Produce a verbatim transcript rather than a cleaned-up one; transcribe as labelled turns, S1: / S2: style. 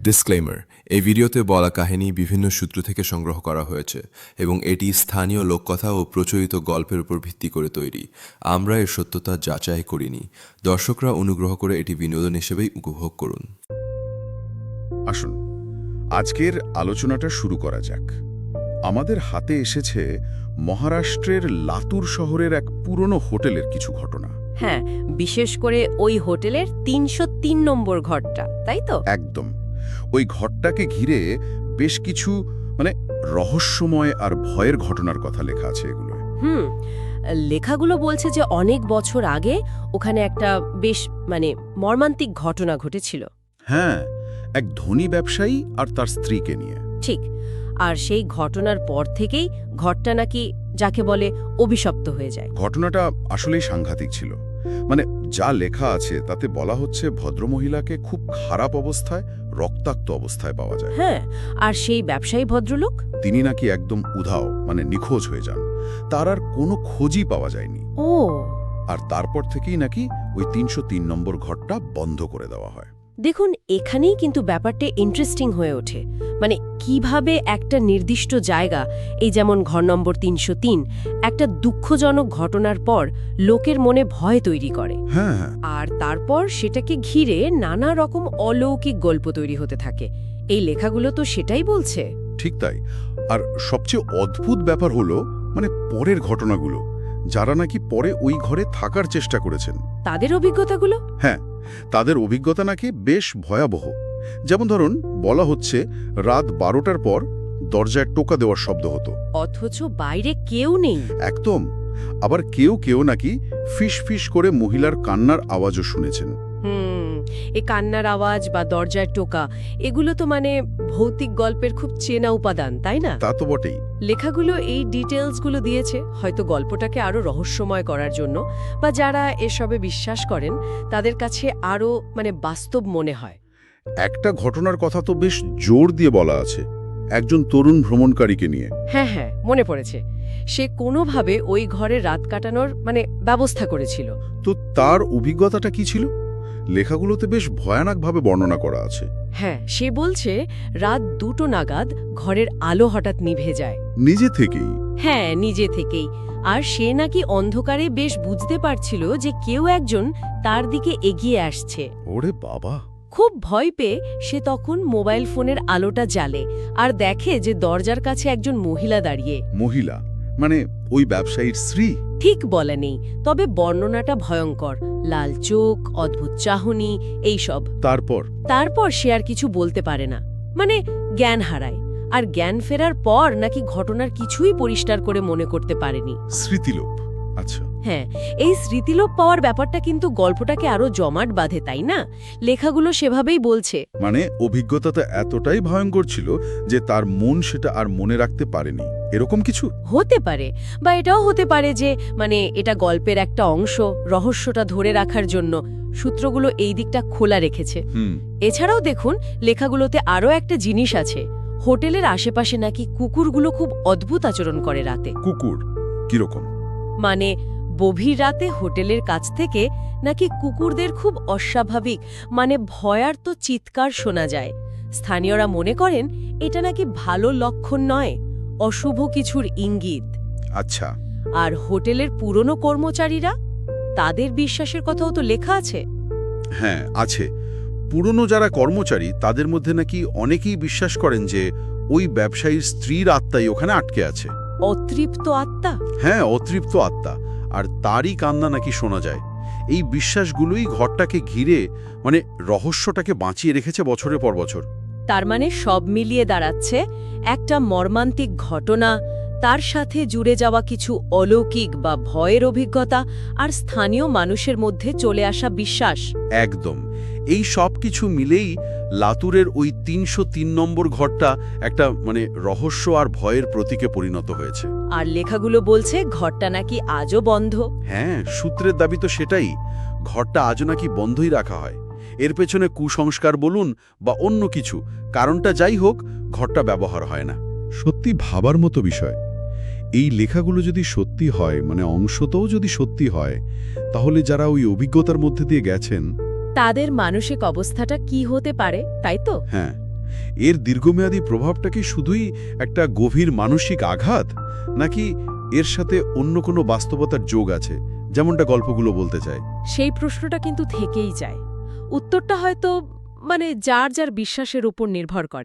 S1: Disclaimer, এই ভিডিওতে বলা কাহিনী বিভিন্ন সূত্র থেকে সংগ্রহ করা হয়েছে এবং এটি স্থানীয় লোককথা ও প্রচলিত গল্পের উপর ভিত্তি করে তৈরি। আমরা এর সত্যতা যাচাই করিনি। দর্শকরা অনুগ্রহ করে এটি বিনোদন হিসেবেই উপভোগ করুন।
S2: আসুন আজকের আলোচনাটা শুরু করা যাক। আমাদের হাতে এসেছে মহারাষ্ট্রের লাতুর শহরের এক পুরনো হোটেলের কিছু ঘটনা।
S3: হ্যাঁ, বিশেষ করে ওই হোটেলের তিনশো তিন নম্বর ঘরটা, তাই তো?
S2: একদম। ওই ঘরটাকে ঘিরে বেশ কিছু মানে রহস্যময় আর ভয়ের ঘটনার কথা লেখা আছে এগুলো।
S3: হুম লেখাগুলো বলছে যে অনেক বছর আগে ওখানে একটা বেশ মানে মর্মান্তিক ঘটনা ঘটেছিল।
S2: হ্যাঁ, এক ধনী ব্যবসায়ী আর তার স্ত্রীকে নিয়ে।
S3: ঠিক। আর সেই ঘটনার পর থেকেই ঘরটা নাকি যাকে বলে অভিশপ্ত হয়ে যায়।
S2: ঘটনাটা আসলেই সাংঘাতিক ছিল। মানে যা লেখা আছে তাতে বলা হচ্ছে ভদ্রমহিলাকে খুব খারাপ অবস্থায়, রক্তাক্ত অবস্থায় পাওয়া যায়।
S3: হ্যাঁ, আর সেই ব্যবসায়ী ভদ্রলোক
S2: তিনি নাকি একদম উধাও, মানে নিখোঁজ হয়ে যান। তার আর কোনো খোঁজই পাওয়া যায়নি।
S3: ও
S2: আর তারপর থেকেই নাকি ওই তিনশো তিন নম্বর ঘরটা বন্ধ করে দেওয়া হয়।
S3: দেখুন, এখানেই কিন্তু ব্যাপারটা ইন্টারেস্টিং হয়ে ওঠে। মানে কিভাবে একটা নির্দিষ্ট জায়গা, এই যেমন ঘর নম্বর তিনশো তিন, একটা দুঃখজনক ঘটনার পর লোকের মনে ভয় তৈরি করে।
S2: হ্যাঁ,
S3: আর তারপর সেটাকে ঘিরে নানা রকম অলৌকিক গল্প তৈরি হতে থাকে। এই লেখাগুলো তো সেটাই বলছে।
S2: ঠিক তাই। আর সবচেয়ে অদ্ভুত ব্যাপার হলো মানে পরের ঘটনাগুলো, যারা নাকি পরে ওই ঘরে থাকার চেষ্টা করেছেন,
S3: তাদের অভিজ্ঞতাগুলো।
S2: হ্যাঁ, তাদের অভিজ্ঞতা নাকি বেশ ভয়াবহ। যেমন ধরুন, বলা হচ্ছে রাত বারোটার পর দরজায় টোকা দেওয়ার শব্দ হতো,
S3: অথচ বাইরে কেউ নেই।
S2: একদম। আবার কেউ কেউ নাকি ফিস ফিস করে মহিলার কান্নার আওয়াজও শুনেছেন।
S3: হুম এই কান্নার আওয়াজ বা দরজায় টোকা, এগুলো তো মানে ভৌতিক গল্পের খুব চেনা উপাদান, তাই না?
S2: তা তো বটেই।
S3: লেখাগুলো এই ডিটেলসগুলো দিয়েছে হয়তো গল্পটাকে আরো রহস্যময় করার জন্য, বা যারা এসবে বিশ্বাস করেন তাদের কাছে আরো মানে বাস্তব মনে হয়।
S2: একটা ঘটনার কথা তো বেশ জোর দিয়ে বলা আছে, একজন তরুণ ভ্রমণকারীকে নিয়ে।
S3: হ্যাঁ হ্যাঁ মনে পড়েছে। সে কোনোভাবে ওই ঘরে রাত কাটানোর মানে ব্যবস্থা করেছিল।
S2: তো তার অভিজ্ঞতাটা কি ছিল? লেখাগুলোতে বেশ ভয়ানকভাবে বর্ণনা করা আছে।
S3: হ্যাঁ, সে বলছে রাত দুটো নাগাদ ঘরের আলো হঠাৎ নিভে যায়।
S2: নিজে থেকেই?
S3: হ্যাঁ, নিজে থেকেই। আর সে নাকি অন্ধকারে বেশ বুঝতে পারছিল যে কেউ একজন তার দিকে এগিয়ে আসছে।
S2: ওরে বাবা!
S3: খুব ভয় পেয়ে সে তখন মোবাইল ফোনের আলোটা জ্বালে আর দেখে যে দরজার কাছে একজন মহিলা দাঁড়িয়ে।
S2: মহিলা মানে ওই ব্যবসায়ীর স্ত্রী?
S3: ঠিক বলে নেই, তবে বর্ণনাটা ভয়ঙ্কর। লাল চোখ, অদ্ভুত চাহনি, এইসব।
S2: তারপর?
S3: তারপর সে আর কিছু বলতে পারে না, মানে জ্ঞান হারায়। আর জ্ঞান ফেরার পর নাকি ঘটনার কিছুই পরিষ্কার করে মনে করতে পারেনি।
S2: স্মৃতিলোপ? আচ্ছা।
S3: হ্যাঁ, এই স্মৃতিলোপ পাওয়ার ব্যাপারটা কিন্তু গল্পটাকে আরো জমাট বাঁধে, তাই না? লেখাগুলো সেভাবেই বলছে।
S2: মানে অভিজ্ঞতাটা এতটাই ভয়ঙ্কর ছিল যে তার মন সেটা আর মনে রাখতে পারেনি, এরকম কিছু?
S3: হতে পারে, বা এটাও হতে পারে যে মানে এটা গল্পের একটা অংশ, রহস্যটা ধরে রাখার জন্য সূত্রগুলো এই দিকটা খোলা রেখেছে।
S2: হুম।
S3: এছাড়াও দেখুন, লেখাগুলোতে আরও একটা জিনিস আছে। হোটেলের আশেপাশে নাকি কুকুরগুলো খুব অদ্ভুত আচরণ করে রাতে।
S2: কুকুর? কিরকম?
S3: মানে গভীর রাতে হোটেলের কাছ থেকে নাকি কুকুরদের খুব অস্বাভাবিক মানে ভয়ার্ত চিৎকার শোনা যায়। স্থানীয়রা মনে করেন এটা নাকি ভালো লক্ষণ নয়, অশুভ কিছুর ইঙ্গিত।
S2: আচ্ছা।
S3: আর হোটেলের পুরনো কর্মচারীরা, তাদের বিশ্বাসের কথাও তো লেখা আছে।
S2: হ্যাঁ, আছে। পুরনো যারা কর্মচারী তাদের মধ্যে নাকি অনেকেই বিশ্বাস করেন যে ওই ব্যবসায়ীর স্ত্রীর আত্মাই ওখানে আটকে আছে।
S3: অতৃপ্ত আত্মা?
S2: হ্যাঁ, অতৃপ্ত আত্মা। আর তারই কান্না নাকি শোনা যায়। এই বিশ্বাসগুলোই ঘরটাকে ঘিরে মানে রহস্যটাকে বাঁচিয়ে রেখেছে বছরের পর বছর।
S3: তার মানে সব মিলিয়ে দাঁড়াচ্ছে একটা মর্মান্তিক ঘটনা, তার সাথে জুড়ে যাওয়া কিছু অলৌকিক বা ভয়ের অভিজ্ঞতা, আর স্থানীয় মানুষের মধ্যে চলে আসা বিশ্বাস।
S2: একদম। এই সব কিছু মিলেই লাতুরের ওই তিনশো তিন নম্বর ঘরটা একটা মানে রহস্য আর ভয়ের প্রতীকে পরিণত হয়েছে।
S3: আর লেখাগুলো বলছে ঘরটা নাকি আজও বন্ধ।
S2: হ্যাঁ, সূত্রের দাবি তো সেটাই। ঘরটা আজও নাকি বন্ধই রাখা হয়। এর পেছনে কুসংস্কার বলুন বা অন্য কিছু, কারণটা যাই হোক, ঘরটা ব্যবহার হয় না। সত্যি ভাবার মতো বিষয়। এই লেখাগুলো যদি সত্যি হয়, মানে অংশতও যদি সত্যি হয়, তাহলে যারা ওই অভিজ্ঞতার মধ্যে দিয়ে গেছেন
S3: তাদের মানসিক অবস্থাটা কি হতে পারে, তাই তো?
S2: হ্যাঁ, এর দীর্ঘমেয়াদী প্রভাবটা কি শুধুই একটা গভীর মানসিক আঘাত, নাকি এর সাথে অন্য কোনো বাস্তবতার যোগ আছে, যেমনটা গল্পগুলো বলতে চায়?
S3: সেই প্রশ্নটা কিন্তু থেকেই যায়। উত্তরটা হয়তো মানে যার যার বিশ্বাসের উপর নির্ভর করে।